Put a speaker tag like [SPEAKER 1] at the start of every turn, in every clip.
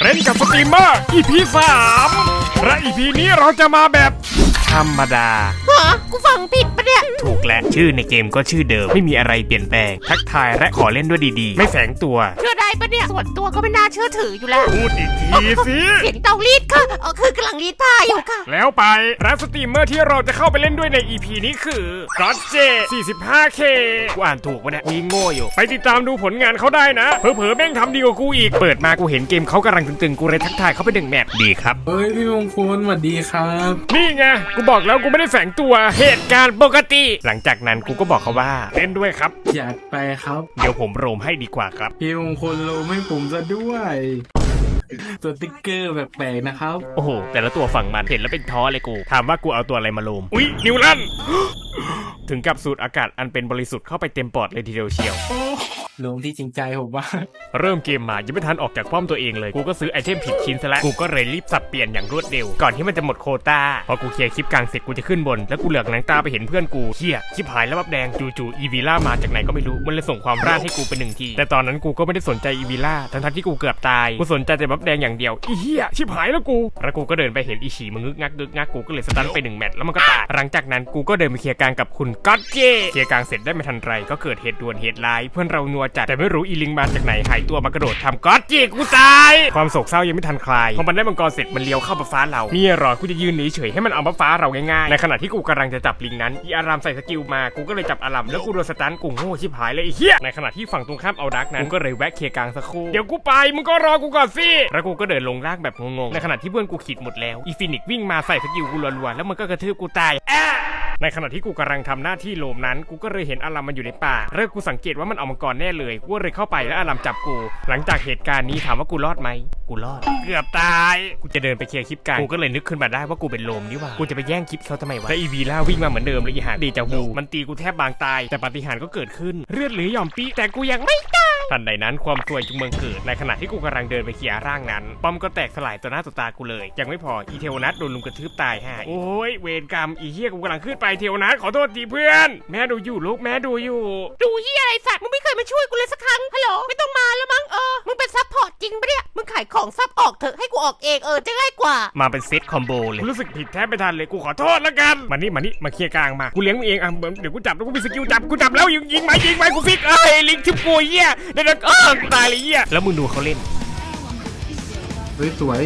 [SPEAKER 1] เล่นกับสตรีมเมอร์ EP 3และ EP นี้เราจะมาแบบธรรมดา
[SPEAKER 2] กูฟังผิดปะเนี่ย
[SPEAKER 1] ถูกและชื่อในเกมก็ชื่อเดิมไม่มีอะไรเปลี่ยนแปลงทักทายและขอเล่นด้วยดีๆไม่แฝงตัว
[SPEAKER 2] เชื่อได้ปะเนี่ยส่วนตัวก็ไม่น่าเชื่อถืออยู่แล้ว
[SPEAKER 1] พูดอีกทีสิ
[SPEAKER 2] เสียงเตารีดค่ะคือกำลังรีดผ้าอยู่ค่ะ
[SPEAKER 1] แล้วไปและสตรีมเมอร์ที่เราจะเข้าไปเล่นด้วยใน EP นี้คือก็อตเจ 45K กูอ่านถูกปะเนี่ยกูโง่อยู่ไปติดตามดูผลงานเขาได้นะเผลอๆแม่งทำดีกว่ากูอีกเปิดมากูเห็นเกมเขากำลังตึงๆกูเลยทักทายเขาไป1 แมปดีครับ
[SPEAKER 3] เฮ้ยพี่มงคลสวัสดีครับ
[SPEAKER 1] นี่ไงกูบอกแล้วกูไม่ได้แฝงตัวเหตุการณ์ปกติหลังจากนั้นกูก็บอกเขาว่าเล่นด้วยครับ
[SPEAKER 3] อยากไปครับ
[SPEAKER 1] เดี๋ยวผมโรมให้ดีกว่าครับ
[SPEAKER 3] พี่มงคลโลให้ผมซะด้วยตัวติ๊กเกอร์แปลกๆนะครับ
[SPEAKER 1] โอ้โหแต่ละตัวฝั่งมันเห็นแล้วเป็นท้อเลยกูถามว่ากูเอาตัวอะไรมาโลมอุ๊ยนิวลัน ถึงกับสูดอากาศอันเป็นบริสุทธิ์เข้าไปเต็มปอดเลยทีเดียวเชียว
[SPEAKER 3] ลงที่จริงใจผมว่า
[SPEAKER 1] เริ่มเกมมายังไม่ทันออกจากป้อมตัวเองเลยกูก็ซื้อไอเทมผิดชิ้นซะแล้วกูก็เลยรีบสับเปลี่ยนอย่างรวดเร็วก่อนที่มันจะหมดโควต้าพอกูเคลียร์คลิปกลางเสร็จกูจะขึ้นบนแล้วกูเหลือกหนังตาไปเห็นเพื่อนกูเหี้ยชิบหายแล้วบับแดงจู่ๆอีวีล่ามาจากไหนก็ไม่รู้มันเลยส่งความร่านให้กูเป็น1 ทีแต่ตอนนั้นกูก็ไม่ได้สนใจอีวีล่าทั้งที่กูเกือบตายกูสนใจแต่บับแดงอย่างเดียวอีเหี้ยชิบหายแล้วกูก็เดินไปเห็นอีฉีมันงึกงักกูก็เลยสตันไป1 แมตช์แล้วมันก็ตายหลังจากนั้นกูก็เดินไปเคลียร์กลางกับคุณก็อตเจเคลียร์กลางเสร็จได้ไม่ทันไรก็เกิดเหตุด่วนเหตุร้ายเพื่อนเรานัวจัดแต่ไม่รู้อีลิงมาจากไหนหายตัวมากระโดดทำก็อตเจกูตายความโศกเศร้ายังไม่ทันคลายพอมันได้มังกรเสร็จมันเลี้ยวเข้าบัฟฟ้าเรานี่รอกูจะยืนเฉยให้มันเอาบัฟฟ้าเราง่ายๆในขณะที่กูกำลังจะจับลิงนั้นอีอารามใส่สกิลมากูก็เลยจับอารามแล้วกูโดนสตันกูโง่ชิบหายเลยไอ้เหี้ยในขณะที่ฝั่งตรงข้ามเอาดักนั้นกูก็เลยแวะเคลียร์กลางสักครู่เดี๋ยวกูไปมึงก็รอกูก่อนสิแล้วกูก็เดินลงล่างแบบงงๆในขณะที่เพื่อนกูขีดหมดแล้วอีฟินิกวิ่งมาใส่สกิลกูรัวๆแล้วมันก็กระทืบกูตายในขณะที่กูกำลังทำหน้าที่โลมนั้นกูก็เลยเห็นอารามมันอยู่ในป่าเริ่มกูสังเกตว่ามันเอามังกรแน่เลยกูเลยเข้าไปแล้วอารามจับกูหลังจากเหตุการณ์นี้ถามว่ากูรอดไหมกูรอดเกือบตายกูจะเดินไปเคลียร์คลิปกันกูก็เลยนึกขึ้นมาได้ว่ากูเป็นโลมนี่หว่ากูจะไปแย่งคลิปเขาทำไมวะแต่อีวีล่าวิ่งมาเหมือนเดิมเลยอีหาเดจาวูมันตีกูแทบบางตายแต่ปาฏิหาริย์ก็เกิดขึ้นเลือดเหลือหย่อมปีแต่กูยังไม่ตายทันใดนั้นความซวยจึงบังเกิดในขณะที่กูกำลังเดินไปเคลียร์ร่างนั้นป้อมก็แตกสลายต่อหน้าต่อตากูเลยยังไม่พออีเทวนัทโดนลุมกระทืบตายห่าโอ้ยเวรกรรมอีเหี้ยกูกำลังขึ้นไปเทวนัทขอโทษทีเพื่อนแม่ดูอยู่ลูกแม่ดูอยู่
[SPEAKER 2] ดูเหี้ยอะไรสัตว์มึงไม่เคยมาช่วยกูเลยสักครั้งฮัลโหลไม่ต้องมาแล้วมั้งมึงเป็นซัพพอร์ตจริงปะเนี่ยมึงขายของซับออกเถอะให้กูออกเองจะง่ายกว่า
[SPEAKER 1] มาเป็นเซตคอมโบเลยรู้สึกผิดแทบไม่ทันเลยกูขอโทษแล้วกันมานี่มาเคลียร์กลางมากูเลี้ยงมึงเองเดี๋ยวกูจับแล้วกูมีสกิลจับกูจับแล้วยิงไหมกูฟิกลิงทิปกูเหี้ยเดี๋ยวตายเลยเหี้ยแล้วมึงดูเขาเล่น
[SPEAKER 3] สวย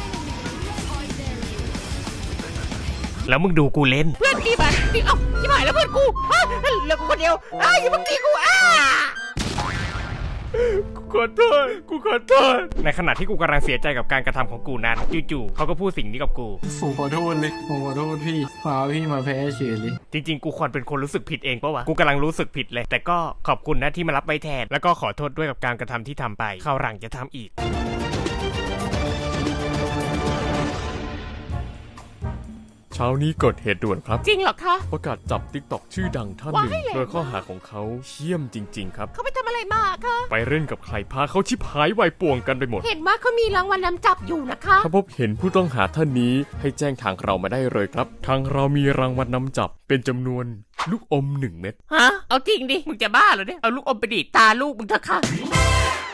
[SPEAKER 1] แล้วมึงดูกูเล่น
[SPEAKER 2] เพื่อนตีมาตีชิบหายแล้วเพื่อนกูเหลือกูคนเดียวอย่ามึงตีกู
[SPEAKER 1] กูขอโทษในขณะที่กูกำลังเสียใจกับการกระทำของกูนั้นจู่ๆเขาก็พูดสิ่งนี้กับกู
[SPEAKER 3] ผมขอโทษเลยผมขอโทษพี่พี่มาแพ้เฉยเลย
[SPEAKER 1] จริงๆกูควรเป็นคนรู้สึกผิดเองปะวะกูกำลังรู้สึกผิดเลยแต่ก็ขอบคุณนะที่มารับไว้แทนแล้วก็ขอโทษด้วยกับการกระทำที่ทำไปคราวหลังจะทำอีก
[SPEAKER 4] เช้านี้เกิดเหตุด่วนครับ
[SPEAKER 2] จริงเหรอคะ
[SPEAKER 4] ประกาศจับติ๊กต็อกชื่อดังท่านหนึ่งโดยข้อหาของเขาเชี่ยมจริงๆครับ
[SPEAKER 2] เขาไปทำอะไรมาคะ
[SPEAKER 4] ไปเล่นกับใครพาเขาชิบหายวายป่วงกันไปหมด
[SPEAKER 2] เห็นว่าเขามีรางวัลนำจับอยู่นะคะ
[SPEAKER 4] ถ้าพบเห็นผู้ต้องหาท่านนี้ให้แจ้งทางเรามาได้เลยครับทางเรามีรางวัลนำจับเป็นจำนวนลูกอม1 เม็ด
[SPEAKER 2] เอาจริงดิมึงจะบ้าเหรอเนี่ยเอาลูกอมไปดีดตาลูกมึงเถอะค่ะ